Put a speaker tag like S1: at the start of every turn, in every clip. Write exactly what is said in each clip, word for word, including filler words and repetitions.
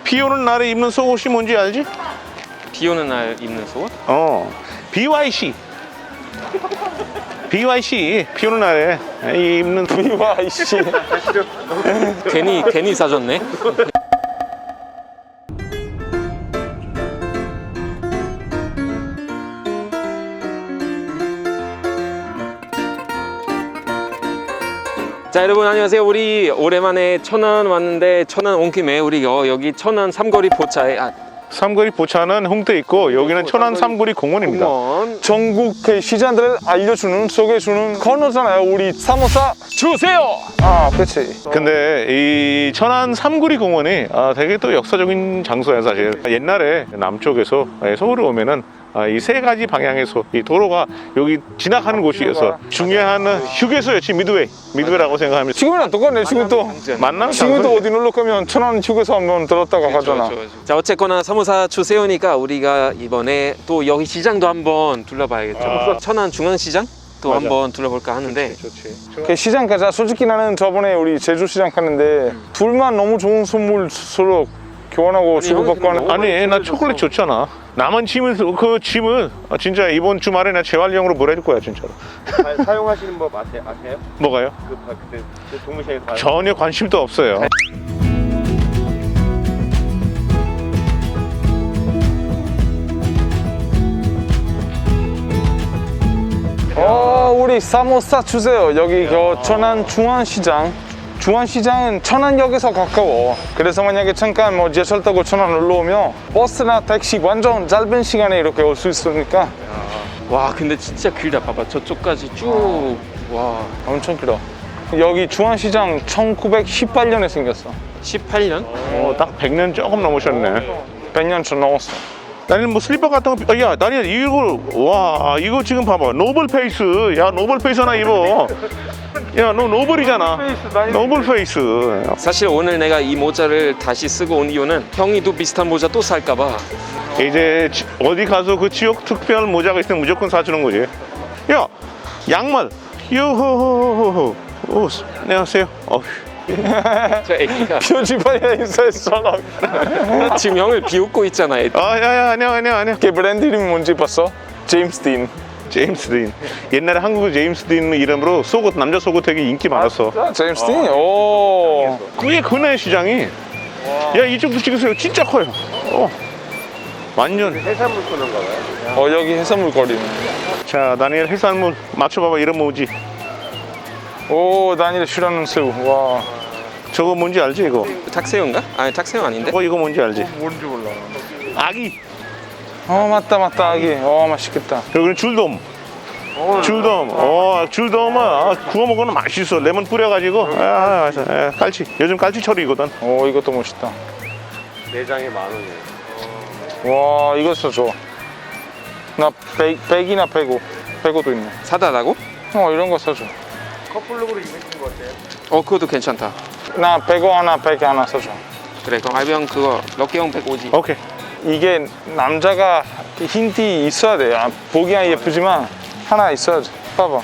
S1: 비 오는 날에 입는 속옷이 뭔지 알지?
S2: 비 오는 날 입는 속옷?
S1: 어, 비와이씨. 비와이씨, 비 오는 날에 입는
S3: 비와이씨.
S2: 괜히 괜히 사줬네. 자, 여러분 안녕하세요. 우리 오랜만에 천안 왔는데, 천안 온 김에 우리 어, 여기 천안 삼거리 포차에 아,
S1: 삼거리 포차는 홍대 있고 여기는 천안 삼거리 공원입니다.
S2: 공원
S3: 전국의 시장들을 알려주는, 소개해주는 코너잖아요. 우리 사모사
S2: 주세요.
S3: 아, 그치.
S1: 근데 이 천안 삼거리 공원이 아, 되게 또 역사적인 장소야 사실. 옛날에 남쪽에서 서울에 오면은 이 세 가지 방향에서 이 도로가 여기 지나가는 곳이어서 중요한 휴게소였지. 미드웨이 미드웨이라고 생각합니다.
S3: 지금이랑 똑같네. 지금도
S1: 만나는
S3: 지금도
S1: 장소지.
S3: 어디 놀러 가면 천안 휴게소 한번 들었다가 가잖아.
S2: 자, 어쨌거나 사모사 주세요니까 우리가 이번에 또 여기 시장도 한번 둘러봐야겠죠.
S1: 아.
S2: 천안 중앙시장 또
S1: 맞아.
S2: 한번 둘러볼까 하는데.
S1: 좋지.
S3: 그 시장 가자. 솔직히 나는 저번에 우리 제주 시장 갔는데 둘만 너무 좋은 선물 서로 교환하고 주고받고 하는.
S1: 아니 나 초콜릿 줬잖아. 남은 짐을 그 짐을 진짜 이번 주말에 나 재활용으로 보내줄 거야 진짜로.
S4: 사- 사용하시는 법 아세, 아세요?
S1: 뭐가요?
S4: 그 바- 그때 그 동물시장에서 봐-
S1: 전혀 관심도 없어요.
S3: 어, 우리 사모사 주세요. 여기 그 천안 중앙시장. 중앙시장은 천안역에서 가까워. 그래서 만약에 잠깐 뭐 지하철 타고 천안 올라오면 버스나 택시 완전 짧은 시간에 이렇게 올 수 있으니까
S2: 와, 근데 진짜 길다. 봐봐, 저쪽까지 쭉. 와,
S3: 엄청 길어. 여기 중앙시장 천구백십팔 년에 생겼어.
S2: 십팔 년?
S1: 어, 딱 백 년 조금 넘으셨네.
S3: 백 년 좀 넘었어.
S1: 나는 뭐 슬리퍼 같은 거, 야, 나는 이거, 와, 이거 지금 봐봐. 노블 페이스. 야, 노블 페이스 하나 입어. 야, 너 노블이잖아. 노블 페이스.
S2: 사실 오늘 내가 이 모자를 다시 쓰고 온 이유는 형이도 비슷한 모자 또 살까봐.
S1: 이제 지- 어디 가서 그 지역 특별 모자가 있으면 무조건 사주는 거지. 야, 양말. 요호호호호. 오, 안녕하세요. 어,
S2: 저 애기가
S3: 표지판에 인사했잖아.
S2: 지금 형을 비웃고 있잖아. 애.
S1: 아, 야, 야, 안녕, 안녕, 안녕.
S3: 걔 브랜드 이름이 뭔지 봤어? 제임스 딘.
S1: 제임스 딘. 옛날에 한국 제임스 딘 이름으로 속옷, 남자 속옷 되게 인기 많았어.
S3: 아, 제임스 딘? 오.
S1: 그게 그네 시장이. 야, 이쪽도 찍으세요. 진짜 커요. 어. 완전.
S4: 해산물 코너인가 봐요.
S3: 어, 여기 해산물 거리네.
S1: 자, 다니엘 해산물 맞춰봐봐. 이름 뭐지?
S3: 오, 다니엘 싫어하는 새우. 와.
S1: 저거 뭔지 알지 이거?
S2: 탁새우인가? 아니, 탁새우 아닌데?
S1: 어, 이거 뭔지 알지?
S3: 뭔지 몰라.
S1: 아기.
S3: 어, 맞다, 맞다, 아기. 어, 맛있겠다.
S1: 여기는 줄돔. 줄돔. 어, 줄돔은 아, 구워 먹으면 맛있어. 레몬 뿌려가지고. 아, 맞아. 아, 깔치. 요즘 깔치철이거든.
S3: 오, 이것도 멋있다.
S4: 내장에 만 원이에요.
S3: 와, 이거 써줘. 나 백, 백이나 백오. 백오도 있네.
S2: 사다라고?
S3: 어, 이런 거 써줘.
S4: 커플룩으로 입으시는 거 어때요?
S2: 어, 그것도 괜찮다.
S3: 나 백오 하나, 백 하나 써줘.
S2: 그래, 그럼 알병 그거 럭키 형 백오지.
S1: 오케이.
S3: 이게 남자가 흰티 있어야 돼. 아, 보기엔 예쁘지만 하나 있어야 돼. 봐봐.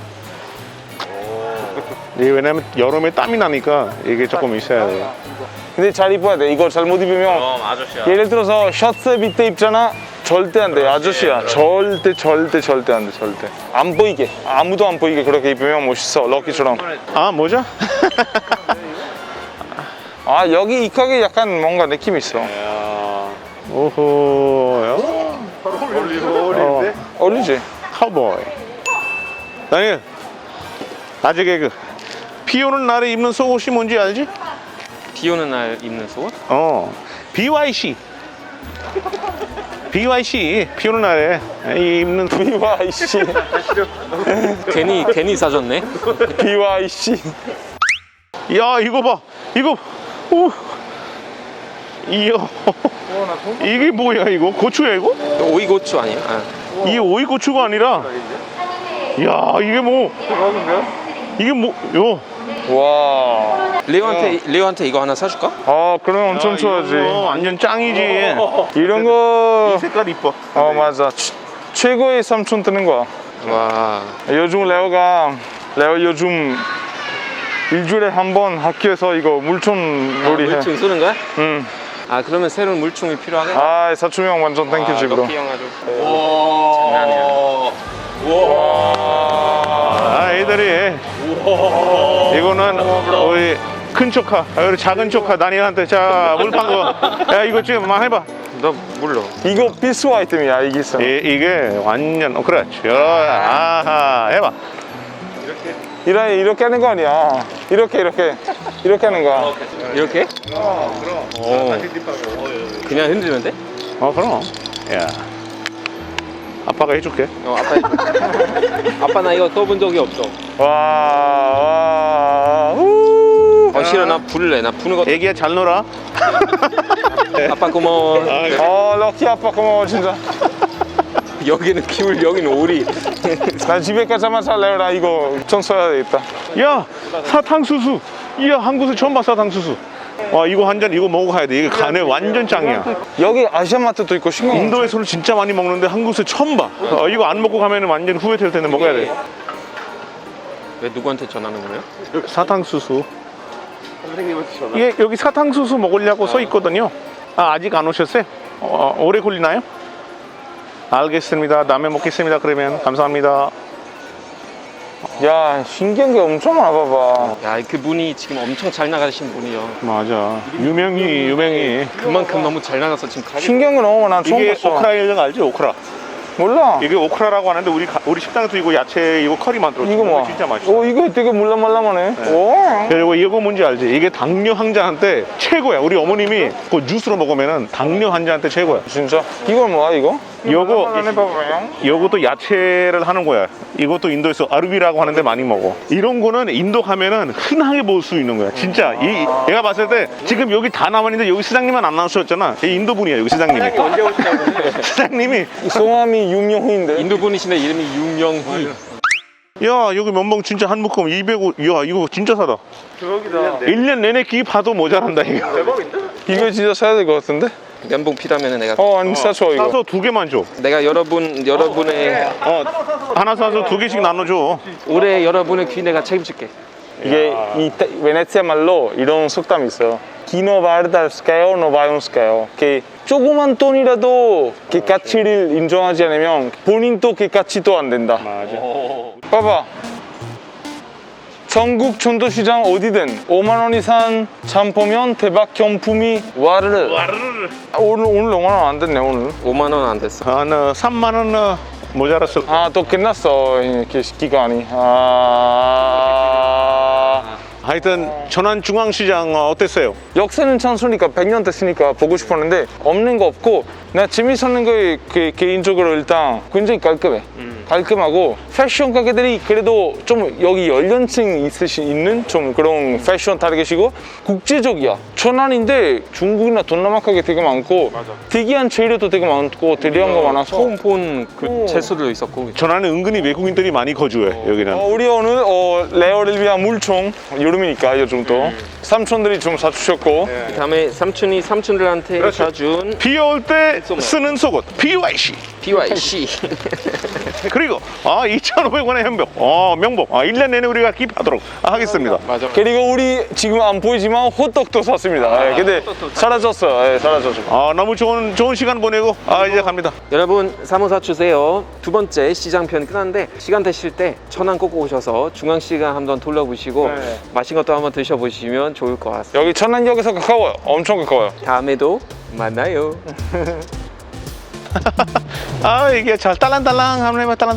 S1: 이게 왜냐면 여름에 땀이 나니까 이게 조금 있어야 돼.
S3: 근데 잘 입어야 돼. 이거 잘못 입으면
S4: 아저씨야.
S3: 예를 들어서 셔츠 밑에 입잖아. 절대 안 돼. 아저씨야. 절대 절대 절대 안 돼. 절대. 안 보이게. 아무도 안 보이게 그렇게 입으면 멋있어. 럭키처럼.
S1: 아, 모자?
S3: 아, 여기 이 가게 약간 뭔가 느낌 있어.
S1: 오호.
S4: 어울리는데?
S3: 어울리지?
S1: 카우보이. 다니엘. 아재 개그. 비 오는 날에 입는 속옷이 뭔지 알지?
S2: 비 오는 날 입는 속옷?
S1: 어. 비와이씨. 비와이씨. 비 오는 날에 입는
S3: 비와이씨.
S2: 괜히 괜히 사줬네.
S3: 비와이씨.
S1: 야, 이거 봐. 이거. 오. 이야. 이게 뭐야 이거? 고추야 이거?
S2: 오이고추 아니야? 아.
S1: 이게 오이 고추가 아니라. 야, 이게 뭐? 이게 뭐? 요.
S3: 와.
S2: 레오한테 레오한테 이거 하나 사줄까?
S3: 아, 그러면 엄청 좋아하지.
S1: 이거 완전 짱이지.
S3: 이런 거.
S1: 이 색깔 이뻐.
S3: 어, 맞아. 최- 최고의 삼촌 뜨는 거야.
S2: 와.
S3: 요즘 레오가 레오 요즘 일주일에 한 번 학교에서 이거 물총 놀이 해.
S2: 물총 쏘는 거야?
S3: 응.
S2: 아 그러면 새로운 물총이 필요하겠네.
S3: 아 사촌 형 완전 땡큐지 브로.
S2: 럭키 형 아주 장난이야.
S1: 아, 애들이 이거는 우리 큰 조카, 아, 우리 작은 조카 다니엘한테 자 물판 거, 야 이거 지금 막 해봐.
S2: 너 몰라.
S3: 이거 필수 아이템이야 이게 있어.
S1: 이, 이게 완전 어, 그렇지. 아하, 해봐.
S3: 이렇게 이렇게 하는 거 아니야. 이렇게 이렇게 이렇게 하는 거야.
S2: 이렇게? 어. 그냥 흔들면 돼?
S1: 어 그럼. 야, 아빠가 해줄게.
S2: 어 아빠. 아빠 나 이거 떠본 적이 없어.
S3: 와, 와, 우.
S2: 어 싫어 나 불래. 나 부는 거.
S1: 애기야 잘 놀아.
S2: 아빠 고마워.
S3: 어, 럭키 아빠 고마워 진짜.
S2: 여기는 기울 여기는 오리.
S3: 나 집에 가자마자 살래요. 나 이거 청소해야 되겠다.
S1: 야, 사탕수수. 이야, 한국에서 처음 봐 사탕수수. 와, 이거 한 잔 이거 먹어가야 돼. 이게 간에 완전 짱이야.
S3: 여기 아시아마트도 있고 신기해.
S1: 인도에서는 진짜 많이 먹는데 한국에서 처음 봐. 어, 이거 안 먹고 가면 완전 후회될 텐데 먹어야 돼.
S2: 왜 누구한테 전하는 거예요?
S1: 사탕수수.
S4: 선생님한테 전화.
S1: 이게 여기 사탕수수 먹으려고 써 있거든요. 아, 아직 안 오셨어요? 어, 오래 걸리나요? 알겠습니다. 다음에 먹겠습니다. 그러면 감사합니다.
S3: 야, 신기한 게 엄청 많아 봐봐.
S2: 야 그 분이 지금 엄청 잘 나가신 분이요.
S1: 맞아. 유명히 유명히.
S2: 그만큼 너무 잘 나가서 지금 가게.
S3: 신기한 게 너무 많아. 처음
S1: 이게
S3: 봤어.
S1: 오크라 일령 알지? 오크라.
S3: 몰라.
S1: 이게 오크라라고 하는데 우리 가- 우리 식당에서 이거 야채 이거 커리 만들어.
S3: 이거 뭐?
S1: 진짜 맛있어.
S3: 오, 이거 되게 물랑말랑하네. 오.
S1: 그리고 이거 뭔지 알지? 이게 당뇨 환자한테 최고야. 우리 어머님이 그 주스로 먹으면은 당뇨 환자한테 최고야.
S3: 진짜? 이건 뭐야 이거?
S1: 요거
S3: 말랑말랑해 봐봐요.
S1: 요것도 야채를 하는 거야. 이것도 인도에서 아르비라고 하는데 많이 먹어. 이런 거는 인도 가면은 흔하게 볼 수 있는 거야. 진짜. 이 내가 봤을 때 지금 여기 다 남았는데 여기 시장님만 안 나오셨잖아. 이 인도 분이야 여기 시장님이.
S2: 언제 오시냐고.
S1: 시장님이
S3: 성함이 유명인데.
S2: 인도 분이신데 이름이 윤명희.
S1: 야 여기 면봉 진짜 한 묶음 이백오. 야 이거 진짜 사다.
S4: 대박이다.
S1: 일 년 내내 기 봐도 모자란다 이거.
S4: 대박인데?
S3: 이거 진짜 사야 될 것 같은데?
S2: 면봉 필요하면 내가
S3: 어, 아니 사줘 이거.
S1: 사서 두 개만 줘.
S2: 내가 여러분 여러분의
S1: 어 하나 사서 두 개씩 나눠줘.
S2: 올해 여러분의 귀 내가 책임질게.
S3: 이게 이 베네치아 말로 이런 속담이 있어요. 기노 바르달스카요, 노바용스카요. 그 조그만 돈이라도 그 가치를 인정하지 않으면 본인도 그 가치도 안 된다.
S1: 맞아.
S3: 봐봐. 전국 전도시장 어디든 오만 원 이상 참 보면 대박 경품이 와르르.
S1: 와르르.
S3: 아, 오늘 오늘 오만 원 안 됐네 오늘.
S2: 오만 원 안 됐어.
S1: 한 어, 삼만 원 어, 모자랐을 거야.
S3: 아 또 끝났어 이렇게 기간이. 아
S1: 하여튼 천안중앙시장 어, 어땠어요?
S3: 역사는 찬수니까 백 년 됐으니까 보고 싶었는데 없는 거 없고 나 재밌었는 게 그, 개인적으로 일단 굉장히 깔끔해. 깔끔하고 패션 가게들이 그래도 좀 여기 연령층 있으시 있는 좀 그런 패션 타겟이고 국제적이야. 천안인데 중국이나 동남아 가게 되게 많고 특이한 재료도 되게 많고 대리한 거 많아서
S2: 처음 본 그
S3: 오.
S2: 채소도 있었고.
S1: 천안은 은근히 외국인들이 많이 거주해 여기는.
S3: 어, 우리 오늘 어, 레어를 위한 물총 여름이니까 요 정도 삼촌들이 좀 사주셨고
S2: 다음에 삼촌이 삼촌들한테 사준
S1: 비 올 때 쓰는 속옷 비와이씨.
S2: 비와이씨.
S1: 그리고 아 이천오백 원의 현복 어 명복 아, 일 년 내내 우리가 기입하도록 하겠습니다.
S2: 맞아.
S3: 그리고 우리 지금 안 보이지만 호떡도 샀습니다. 예, 근데 사라졌어. 예, 사라졌어.
S1: 아 너무 좋은 좋은 시간 보내고 아 이제 갑니다.
S2: 여러분 사모사 주세요. 두 번째 시장편 끝났는데 시간 되실 때 천안 꼭 오셔서 중앙시장 한번 둘러보시고
S3: 네.
S2: 맛있는 것도 한번 드셔보시면 좋을 것 같습니다.
S3: 여기 천안역에서 가까워요. 엄청 가까워요.
S2: 다음에도 만나요.
S1: 아 이게 잘 딸랑딸랑 한번 해봐 딸랑.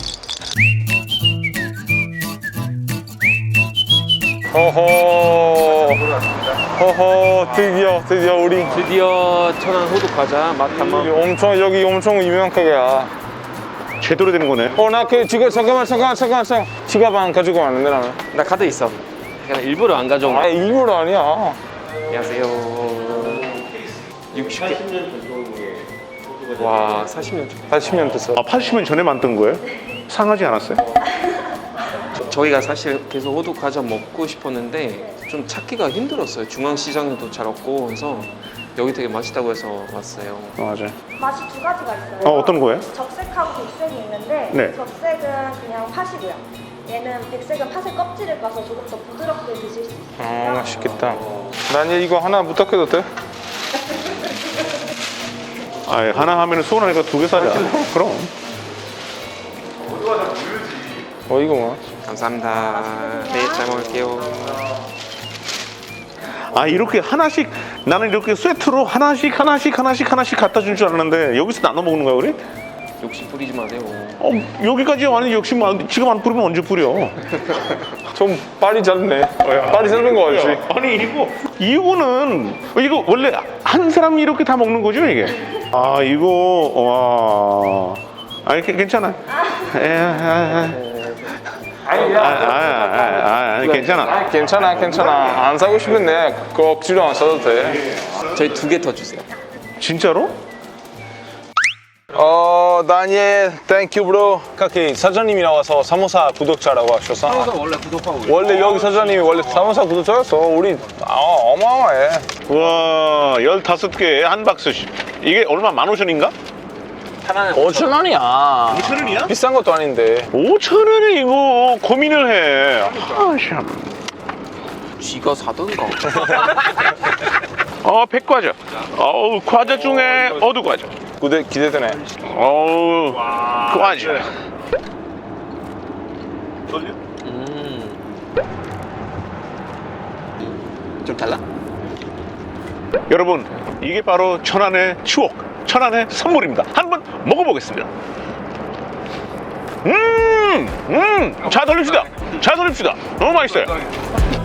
S3: 허허. 허허. 드디어 드디어 우리
S2: 드디어 천안 호두 과자 맛
S3: 여기
S2: 한번.
S3: 엄청 여기 엄청 유명한 가게야.
S1: 제대로 되는 거네.
S3: 어 나 그 지금 잠깐만 잠깐만 잠깐만 잠깐 지갑 안 가지고 왔는데 나는.
S2: 나 카드 있어. 그냥 일부러 안 가져온
S3: 아
S2: 거.
S3: 일부러 아니야.
S2: 안녕하세요. 육십 개. 와 사십 년 전.
S3: 팔십 년 됐어.
S1: 아 팔십 년 전에 만든 거예요? 상하지 않았어요?
S2: 저희가 사실 계속 호두 과자 먹고 싶었는데 좀 찾기가 힘들었어요. 중앙시장에도 잘 없고 그래서 여기 되게 맛있다고 해서 왔어요.
S1: 어, 맞아요.
S5: 맛이 두 가지가 있어요.
S1: 어 어떤 거예요?
S5: 적색하고 백색이 있는데
S1: 네.
S5: 적색은 그냥 팥이고요. 얘는 백색은 팥의 껍질을 까서 조금 더 부드럽게 드실 수 있어요.
S3: 아 맛있겠다. 난 이거 하나 부탁해도 돼?
S1: 아, 하나 하면 서운하니까 두 개 사자. 그럼.
S3: 어 이거 뭐?
S2: 감사합니다. 네, 잘 먹을게요.
S1: 아, 이렇게 하나씩, 나는 이렇게 세트로 하나씩, 하나씩, 하나씩, 하나씩 갖다 준 줄 알았는데, 여기서 나눠 먹는 거야, 우리?
S2: 욕심 부리지 마세요.
S1: 어, 여기까지 와는 욕심 안, 지금 안 뿌리면 언제 뿌려?
S3: 좀 빨리 짧네. 빨리 짧은 거 알지?
S1: 아니, 이거, 이거는, 이거 원래 한 사람이 이렇게 다 먹는 거죠, 이게? 아, 이거, 와. 아니, 괜- 괜찮아. 에, 아, 아, 아, 아, 아, 아, 아니, 괜찮아.
S3: 괜찮아, 괜찮아. 안 사고 싶은데 그 억지로 안 사도 돼.
S2: 저희 두 개 더 주세요.
S1: 진짜로?
S3: 어, 다니엘, 땡큐 브로. 카키 사장님이 나와서 사모사 구독자라고 하셔서. 사모사 원래 구독하고. 원래 여기 사장님이 원래 사모사 구독자였어. 우리 아, 어마어마해.
S1: 와, 열다섯 개에 한 박스씩. 이게 얼마? 만 오천인가?
S3: 오천 원이야.
S1: 오천 원이야?
S3: 비싼 것도 아닌데.
S1: 오천 원에 이거 고민을 해. 아, 참.
S2: 쥐가 사던가.
S1: 어, 백과자. 어우, 과자 중에 어두 과자.
S3: 기대 기대되네.
S1: 어우, 과자.
S2: 좀 달라?
S1: 여러분, 이게 바로 천안의 추억, 천안의 선물입니다. 한번 먹어보겠습니다. 음, 음, 자 돌립시다. 자 돌립시다. 너무 맛있어요.